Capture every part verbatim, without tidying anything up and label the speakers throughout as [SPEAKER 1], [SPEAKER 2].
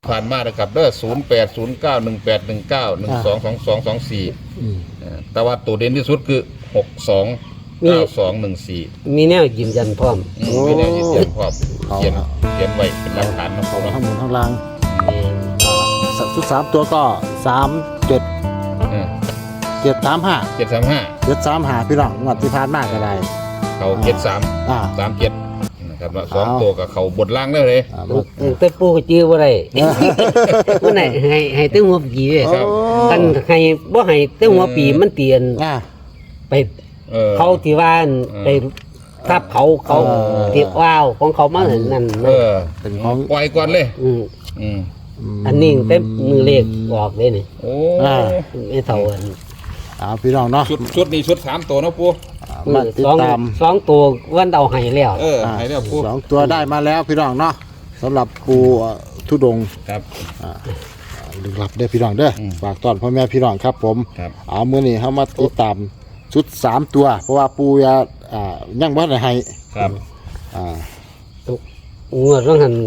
[SPEAKER 1] ผ่านมานะครับเด้อศูนย์แปดศูนย์เก้าหนึ่งแปดหนึ่งเก้าหนึ่งสองสองสองสองสี่แต่ว่าตัวเด่นที่สุดคือหกสองเก้าสองหนึ่งสี่
[SPEAKER 2] มีแนวยืนยันพร้อม
[SPEAKER 1] มีแนวยืนยันพร้อมเขียนเขียนไว้เป็นหลักฐานนะค
[SPEAKER 3] เอา
[SPEAKER 1] รับ
[SPEAKER 3] ข้างบนข้างล่างชุดสามตัวก็สามเจ็ดเจ็ดสามห้า
[SPEAKER 1] เจ็ดสามห้า
[SPEAKER 3] เจ็ดสามห้าพี่น้องงวดที่ผ่านมาก็ได้
[SPEAKER 1] เขาเจ็ดสามสามเจ็ดนะครับสองตัวกับเขาบดล่างได้เลย
[SPEAKER 2] แต่ปูก็จื้อบ่ได้เมื่อไหร่ให้ให้ตั้งหัวปีกันให้บ่ให้ตั้งหัวปีมันเตียนไปเขาที่ว่าไปทับเขาเขาเก็บว้าวของเขามานั่น
[SPEAKER 1] เออเป็นของปล่อยก่อนเลยอืม
[SPEAKER 2] อันนี้เต็มมือเลขออกเลยนี่
[SPEAKER 1] โอ้
[SPEAKER 2] ไม่เท่ากัน
[SPEAKER 3] อ่าพี่น้องเนาะ
[SPEAKER 1] ชุดชุดนี้ชุดสามตัวนะปู
[SPEAKER 3] มาติดตาม
[SPEAKER 2] สองตัววันเอาให้แล้ว
[SPEAKER 1] เออให้แล้วปู
[SPEAKER 3] สองตัวได้มาแล้วพี่น้องเนาะสำหรับปูทุดง
[SPEAKER 1] ครับ
[SPEAKER 3] อ่าลึกลับได้พี่น้องเด้อฝากต้อนพ่อแม่พี่น้องครับผมเอามื้อนี้เฮามาติดตามชุดสามตัวเพราะว่าปูยาอ่ายังบ่ได้ให้
[SPEAKER 1] ครับ
[SPEAKER 3] อ่า
[SPEAKER 2] งวดว่าหั่น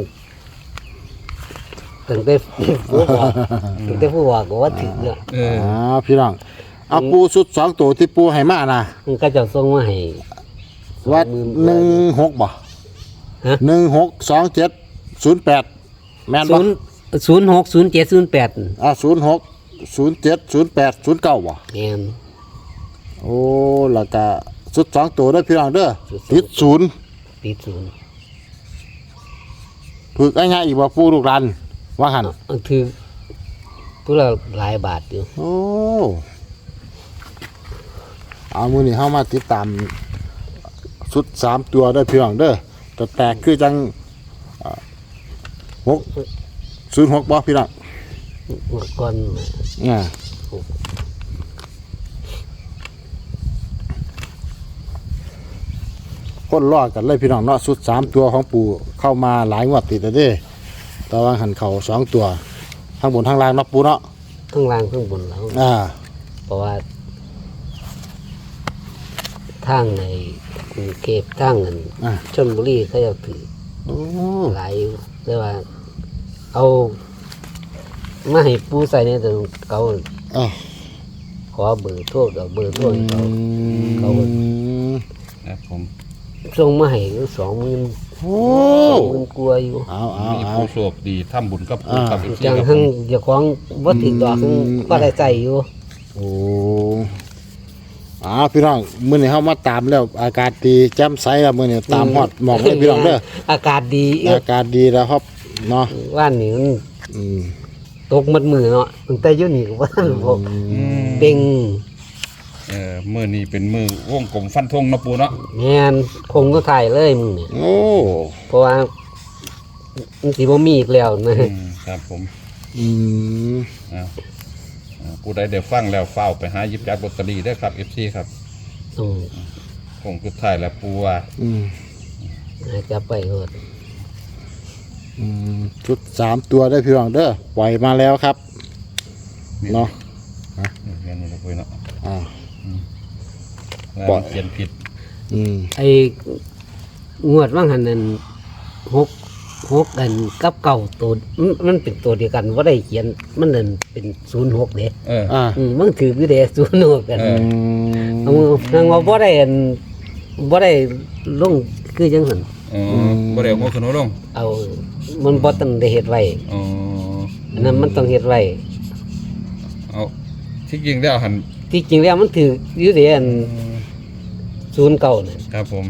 [SPEAKER 2] ตั้งแต่ผู้ว่าตั้งแต่ผู้ว่าก็ว่าถึงแล้ว
[SPEAKER 3] อ่าพี่น้องเอาปูชุดสองตัวที่ปูให้มานะ
[SPEAKER 2] มันก็จะส่งมาให้
[SPEAKER 3] วัดหนึ่งหกบ่หนึ่งหกสองเจ็ดศูนย์แปดแม่นบ่
[SPEAKER 2] ศูนย์หกศูนย์เจ็ดศูนย์แปด
[SPEAKER 3] อ่าศูนย์หกศูนย์เจ็ดศูนย์แปดศูนย์เก้าบ่
[SPEAKER 2] แม่น
[SPEAKER 3] โอ้แล้วก็ชุดสองตัวได้พี่น้องเด้อติดศูนย์
[SPEAKER 2] ติดศูนย์
[SPEAKER 3] ฝึกง่ายๆอีกบ่ปูลูกหลานว่าหั่น
[SPEAKER 2] คือผู้ละหลายบาทอยู่
[SPEAKER 3] โอ้เอามื้อนี้เฮามาติดตามชุดสามตัวได้พี่น้องเด้อแต่แตกคือจังหกศูนย์หกบ่พี่น้อง
[SPEAKER 2] ก่อน
[SPEAKER 3] อ่าคนรอดกันเลยพี่น้องเนาะชุดสามตัวของปู่เข้ามาหลายงวดติดแล้วเด้แต่ว่าหันเข่าสองตัวข้างบนข้างล่างเนาะปู่เนาะ
[SPEAKER 2] ข้างล่างข้างบนแล้ว
[SPEAKER 3] อ่า
[SPEAKER 2] เพราะว่าทางในกรุงเทพทางนั้นชลบุรีเขาจะถือหลายแต่ว่าเอามาให้ปูใส่ในตัวเขาขอเบอร์โทรกับเบอร์โทรเขาเขา
[SPEAKER 1] ครับผม
[SPEAKER 2] ส่งมาให้สองหมื่นโอ้สองหมื่นกลัวอยู่
[SPEAKER 3] เอาเอา
[SPEAKER 1] มีผู้โชคดีทำบุญกับปูกับอีก
[SPEAKER 2] จังทั้งเจ้าของวัตถุดอกก็ได้ใจอยู่
[SPEAKER 3] โอ้อ่าพี่น้องมื้อนี้เฮามาตามแล้วอากาศดีแจ่มใสแล้วมื้อนี้ตามฮอดหมอกเลยพี่น้องเด้อ
[SPEAKER 2] อากาศดี
[SPEAKER 3] อากาศดีแล้วครับเนาะ
[SPEAKER 2] ว่านนี้มันอืมตกมัดมือเนาะตั้งแต่อยู่นี่ก็บ่ทันพอเต็ง
[SPEAKER 1] เออมื้อนี้เป็นมื้อวงกลมฟันธงเนาะปู่เนาะ
[SPEAKER 2] แม่นคงก็ถ่ายเลยมึงนี่
[SPEAKER 3] โอ้
[SPEAKER 2] เพราะว่ามันสิบ่มีอีกแล้ว
[SPEAKER 1] นะครับผม
[SPEAKER 3] อืม
[SPEAKER 1] อ่าผู้ใดได้ฟังแล้วเฝ้าไปหาหยิบจับลอตเตอรี่ได้ครับ เอฟ ซี ครับ
[SPEAKER 2] อืม
[SPEAKER 1] คงสุดท้ายแล้วปูว่า
[SPEAKER 3] อืม
[SPEAKER 2] จะไปโหด
[SPEAKER 3] อืมชุดสามตัวได้พี่น้องเด้อปล่อยมาแล้วครับเนาะ
[SPEAKER 1] ฮะเรียนนี่เราคุยเนาะ
[SPEAKER 3] อ่า
[SPEAKER 1] ปล่อยเขียนผิด
[SPEAKER 3] อืม
[SPEAKER 2] ไอ้งวดว่างหันนั่นหกหกกันกับเก่าตัวมันเป็นตัวเดียวกันว่าได้เขียนมันนั่นเป็นศูนย์หกเด้
[SPEAKER 1] เออ
[SPEAKER 3] อ่า
[SPEAKER 2] มันถือวิเดศูนย์หกกันเอาทางว่าบ่ได้บ่ได้ลงคือจังซั่น
[SPEAKER 1] อ๋อบ่ได้เอาขึ้นลง
[SPEAKER 2] เอามันบ่ต้องได้เฮ็ดไว้
[SPEAKER 1] อ๋อ
[SPEAKER 2] อันนั้นมันต้องเฮ็ดไว้
[SPEAKER 1] เอาที่จริงแล้วหัน
[SPEAKER 2] ที่จริงแล้วมันถืออยู่เด้อันศูนย์เก้าน่ะ
[SPEAKER 1] ครับผม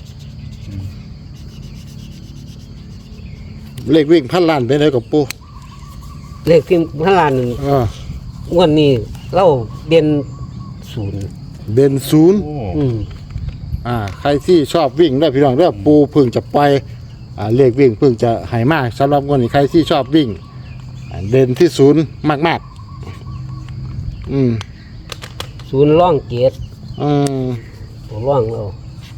[SPEAKER 3] เลขวิ่งพันล้านไปไหนกับปู
[SPEAKER 2] เลขที่พันล้านนึง
[SPEAKER 3] อ่าง
[SPEAKER 2] วดนี้เราเด่นศูนย์
[SPEAKER 3] เด่นศูนย์
[SPEAKER 2] อืม
[SPEAKER 3] อ่าใครที่ชอบวิ่งได้พี่น้องเด้อปูเพิ่งจะปล่อยอ่าเลขวิ่งเพิ่งจะให้มากสำหรับงวดนี้ใครที่ชอบวิ่งเด่นที่ศูนย์มากๆอืม
[SPEAKER 2] ศูนย์ร่องเกียรติ
[SPEAKER 3] อืม
[SPEAKER 2] ร่องเรา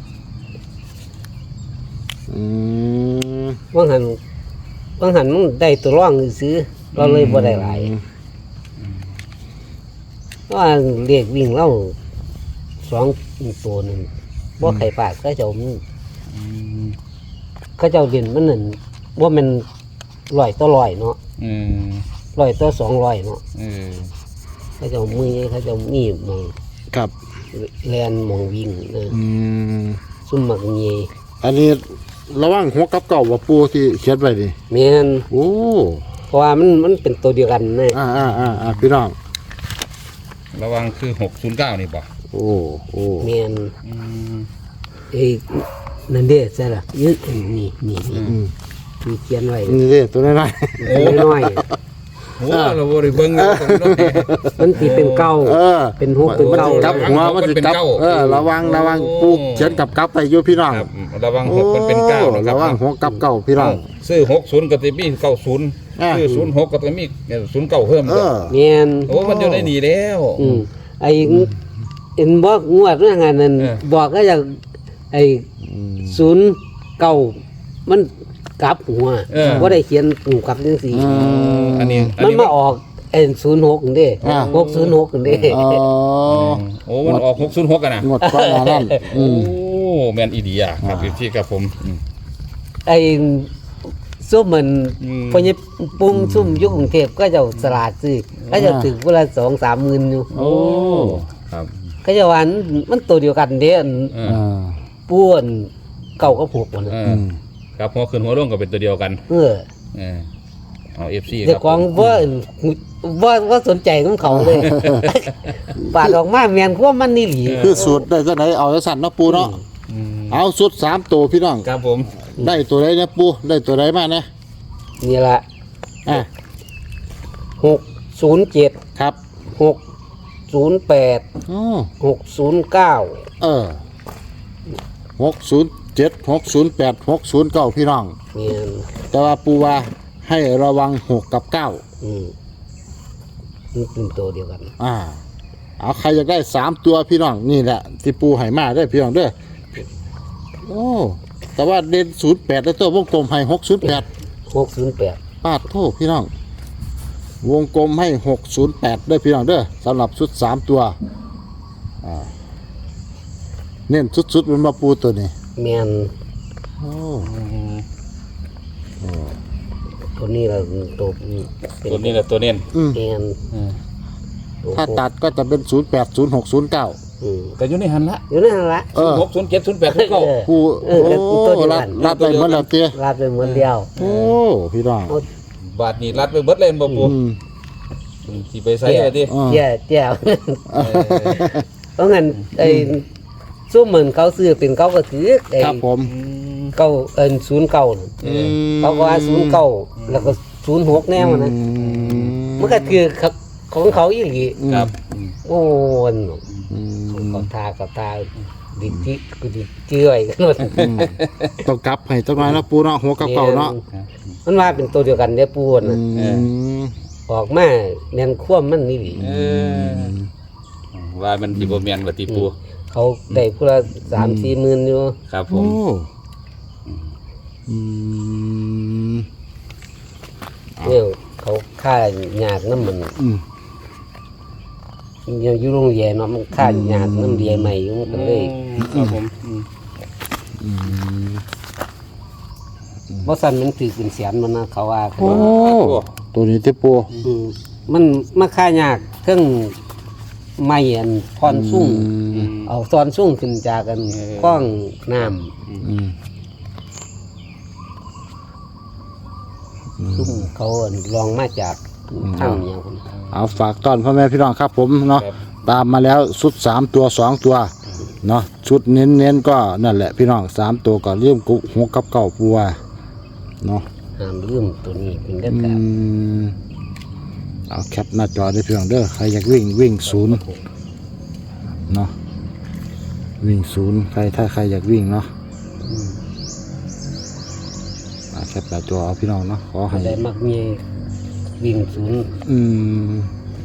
[SPEAKER 3] อืม
[SPEAKER 2] ว่างหันว่างหันมันได้ตัวร่องซื้อเราเลยบ่ได้หลายว่าเรียกวิ่งเล่าสองตัวนึงบ่ไข่ปากก็เจ้ามันเขาเจ้าเด่นมันนั่นว่ามันลอยต่อลอยเนาะ
[SPEAKER 1] อืม
[SPEAKER 2] ร้อยต่อสองร้อยเนาะ
[SPEAKER 1] เออ
[SPEAKER 2] เขาจะเอามือเขาจะเอามีดมอง
[SPEAKER 3] ครับ
[SPEAKER 2] แลนมองวิ่งนะ
[SPEAKER 3] อืม
[SPEAKER 2] ซุ่มหมักเงย
[SPEAKER 3] อันนี้ระหว่างหัวกับเก่าว่าปูที่เขียนไว้นี่
[SPEAKER 2] แม่น
[SPEAKER 3] โอ้
[SPEAKER 2] เพราะว่ามันมันเป็นตัวเดียวกันนะ
[SPEAKER 3] อ่าอ่าอ่าอ่าพี่น้อง
[SPEAKER 1] ระวังคือหกศูนย์เก้านี่บ่
[SPEAKER 3] โอ้โอ้
[SPEAKER 2] แม่น
[SPEAKER 1] อืม
[SPEAKER 2] เอ้ยนั่นเด้ใช่ล่ะยึดนี่นี่นี่
[SPEAKER 3] อืม
[SPEAKER 2] มีเขียนไว้
[SPEAKER 3] นี่เด้ตัวน้อย
[SPEAKER 2] ตัวน้อย
[SPEAKER 1] โอ้เราบ่ได้เบิ่งเลยตรงนี้
[SPEAKER 2] ๆมันสิเป็นเก้า
[SPEAKER 3] ๆเออ
[SPEAKER 2] เป็นหกเป็น
[SPEAKER 3] มัน
[SPEAKER 2] เก้า
[SPEAKER 3] สิกลับหัวมันสิกลับเออระวังระวังปูเขียนกับกลับไปอยู่พี่น้อง
[SPEAKER 1] ครับระวังหกมันเป็นเก้านะครั
[SPEAKER 3] ระ
[SPEAKER 1] บ
[SPEAKER 3] วังหัวกับเก่าพี่น้อง
[SPEAKER 1] ซื้อหกศูนย์ก็จะมีเก้าศูนย์
[SPEAKER 3] อ่า
[SPEAKER 1] ซื้อศูนย์หกก็จะมีศูนย์เก้าเพิ่ม
[SPEAKER 3] เออ
[SPEAKER 2] แม่น
[SPEAKER 1] โอ้มันอยู่ในนี่แล้ว
[SPEAKER 2] อืมไอ้เอ็นบอกงวดเรื่องงานนั้น
[SPEAKER 1] เออ
[SPEAKER 2] บอกก็อย่างไอ้ศูนย์เก้ามันกลับหัวว่าได้เขียนหูกลับจังซี่
[SPEAKER 3] อืม
[SPEAKER 1] อันนี้อัน
[SPEAKER 2] มัน
[SPEAKER 1] นี้
[SPEAKER 2] มาออกเอ็นศูนย์หกเด้
[SPEAKER 3] อ่า
[SPEAKER 2] หกศูนย์หกเด้
[SPEAKER 3] อ๋อ
[SPEAKER 1] โอ้มันออกหกศูนย์หกกันนะ
[SPEAKER 3] งวดก่อนหน้านั้นอื
[SPEAKER 1] โอ้
[SPEAKER 3] ม
[SPEAKER 1] แมนอีดีอ่ะครับที่กับผมอืม
[SPEAKER 2] ไอ้ซุ่มมัน
[SPEAKER 1] อืม
[SPEAKER 2] พอเนี่ยปุ้งซุ่มอยุคกรุงเทพก็จะสลาดซื้อก็จะถึงเวลาสองสามหมื่นอยู่
[SPEAKER 1] โอ้ครับ
[SPEAKER 2] ก็จะวันมันตัวเดียวกันเด้อัน
[SPEAKER 1] เออ
[SPEAKER 3] อ่า
[SPEAKER 2] ป้วนเก่าก็ผูกมัน
[SPEAKER 1] เอ
[SPEAKER 2] น่ะ
[SPEAKER 1] อ
[SPEAKER 3] อืม
[SPEAKER 1] ครับหัวขึ้นหัวลงก็เป็นตัวเดียวกัน
[SPEAKER 2] เออ
[SPEAKER 1] เออเอาเอฟซีค
[SPEAKER 2] เด็ก
[SPEAKER 1] รับ
[SPEAKER 2] ของว่าว่าว่าสนใจของเขาเลย ปาดออกมาแมนว่ามันนี่หลี
[SPEAKER 3] คือสูตรได้จังไหนเอาจังสั่นเนาะปูเนาะ
[SPEAKER 1] อืม
[SPEAKER 3] เอาสุดสามตัวพี่น้อง
[SPEAKER 1] ครับผม
[SPEAKER 3] ได้ตัวใดเนี่ยปูได้ตัวใดมานะ
[SPEAKER 2] นี่ละ
[SPEAKER 3] อ่ะ
[SPEAKER 2] หกศูนย์เจ็ด
[SPEAKER 3] ครับ
[SPEAKER 2] หกศูนย์แปด
[SPEAKER 3] อ๋อ
[SPEAKER 2] หกศูนย์เก้า
[SPEAKER 3] เออหกศูนย์เจ็ดหกศูนย์แปดหกศูนย์เก้าพี่น้อง
[SPEAKER 2] แมน
[SPEAKER 3] แต่ว่าปูว่าให้ระวังหกกับเก้า
[SPEAKER 2] อืมมันเป็นตัวเดียวกัน
[SPEAKER 3] อ่า เอาใครอยากได้สามตัวพี่น้องนี่แหละที่ปูให้มาได้อพี่น้องเด้อโอ้แต่ว่าเด่นศูนย์แปดแล้วตัววงกลมให้หกศูนย์แปด
[SPEAKER 2] หกศูนย์แปด
[SPEAKER 3] ปาดโทษพี่น้อง วงกลมให้หกศูนย์แปดได้อพี่น้องเด้อสำหรับชุดสามตัวอ่าเน้นสุดๆเป็นมาปูตัวนี้
[SPEAKER 2] แมน
[SPEAKER 3] โอ้
[SPEAKER 2] ตัวนี้เราตัวเป็น
[SPEAKER 1] ตัวนี้แหละตัวเน้น
[SPEAKER 3] อืม
[SPEAKER 2] แมน
[SPEAKER 1] อืม
[SPEAKER 3] ถ้าตัดก็จะเป็นศูนย์แปดศูนย์หกศูนย์เก้า
[SPEAKER 2] อืม
[SPEAKER 1] แต่อยู่ในหันละ
[SPEAKER 2] อยู่นั่นละ
[SPEAKER 3] เออ
[SPEAKER 1] หกศูนย์เจ็ดศูนย์แปดศูนย์เก้า
[SPEAKER 2] เออ
[SPEAKER 3] ปู
[SPEAKER 2] เออแล้วกูตัวเดียวกัน
[SPEAKER 3] รัดรัดไปหมดแล้วเตี้ย
[SPEAKER 2] ลาบไปเหมือนเดียว
[SPEAKER 3] โอ้พี่น้อง
[SPEAKER 1] บาทนี่รัดไปเบิดเลยบ่ปู
[SPEAKER 3] อืม
[SPEAKER 1] ที่ไปใส่อะไรดิ
[SPEAKER 3] อ่า
[SPEAKER 2] เจ้าเจ้าเพราะงั้นไอ้ซุ่มเหมือนเขาซื้อเป็นเขาก็ถือไอ้
[SPEAKER 3] ครับผม
[SPEAKER 2] เก้าเอินศูนย์เก้าน่ะ
[SPEAKER 3] อืม
[SPEAKER 2] เขาก็ว่าศูนย์เก้าแล้วก็ศูนย์หกแนวนะ
[SPEAKER 3] อืม
[SPEAKER 2] มันก็คือของเขาอีหลี
[SPEAKER 1] ครับ
[SPEAKER 2] โอ้น
[SPEAKER 3] อืม
[SPEAKER 2] เขาทาเขาทาดิจิกูดิเจื่อยกันหมด
[SPEAKER 3] ต้องกลับให้จังหน่อยนะปูเนาะหัวกับเก่าเนาะ
[SPEAKER 2] มันว่าเป็นตัวเดียวกันเนี่ยปูน่ะ
[SPEAKER 3] อืม
[SPEAKER 2] ออกมาแม่นคว่ำมันนี่หลี
[SPEAKER 1] เออว่ามันสิบ่แม่นว่าติปู
[SPEAKER 2] เขาได้พูละสามสี่หมื่นอยู่
[SPEAKER 1] ครับผ
[SPEAKER 3] โอ้
[SPEAKER 1] ม
[SPEAKER 3] อืม
[SPEAKER 2] เนี่ยเขาค่าหยาดน้ำมัน
[SPEAKER 3] อืม
[SPEAKER 2] ยังอยู่โรงเรียนเนาะมันค่าหยาดน้ำเรียนใหม่อยู่มันก็เลย
[SPEAKER 1] ครับผมอืม
[SPEAKER 3] อืม
[SPEAKER 2] เพราะสันมันถือเป็นเสียนมันนะเขาว่ากัน
[SPEAKER 3] โอ้ตัวนี้ที่ปู
[SPEAKER 2] อืมมันมาค่ายากเครื่องไม่อันพรสุ่ง
[SPEAKER 3] อืม
[SPEAKER 2] เอาตอนสุ่งขึ้นจากกันกล้องน้
[SPEAKER 3] อืม
[SPEAKER 2] ำสุ่งเขาอันลองมาจากถ้ำอย่างคน
[SPEAKER 3] เอาฝากต้อนพ่อแม่พี่น้องครับผมเนาะ
[SPEAKER 1] ครับ
[SPEAKER 3] ตามมาแล้วชุดสามตัวสองตัวเนาะชุดเน้นเน้นๆก็นั่นแหละพี่น้องสามตัวก็เลี่ยมกุหัวกับเก่าปัวเนาะ
[SPEAKER 2] ห้ามลืมตัวนี้เป็นเด็ด
[SPEAKER 3] อื
[SPEAKER 2] ขาด
[SPEAKER 3] มเอาแคปหน้าจอได้พี่น้องเด้อใครอยากวิ่งวิ่งศูนย์เนาะวิ่งศูนย์ใครถ้าใครอยากวิ่งเนาะเอาแคปหน้าจอเอาพี่น้องเนาะขอให้
[SPEAKER 2] อะไรมักมีวิ่งศูนย์
[SPEAKER 3] อืม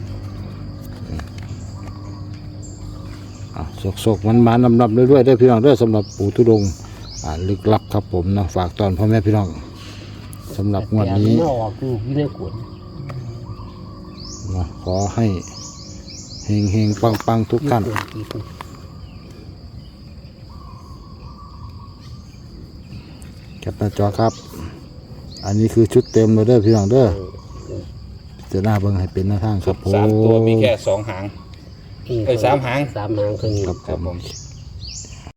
[SPEAKER 3] อ่ะโศกๆมันมานำนำเรื่อยๆได้อพี่น้องเด้อสำหรับปู่ทุดงค์อ่าลึกลับครับผมเนาะฝากตอนพ่อแม่พี่น้องสำหรับงวดนี้
[SPEAKER 2] แต่ไม่ออกอยู่ที่ในขวด
[SPEAKER 3] เนาะขอให้เฮงเฮงปังปังๆทุกท่านแคปหน้าจอครับ อันนี้คือชุดเต็มเลยเด้อพี่น้องเด้อเจะหน้าเบิ่งให้เป็นหน้าทางครับผม
[SPEAKER 1] สามตัวมีแค่สองหาง
[SPEAKER 2] อื
[SPEAKER 1] เอ้ยสามหาง
[SPEAKER 2] สามหางเท่านี้
[SPEAKER 3] ครับ
[SPEAKER 1] ครับผม
[SPEAKER 3] ค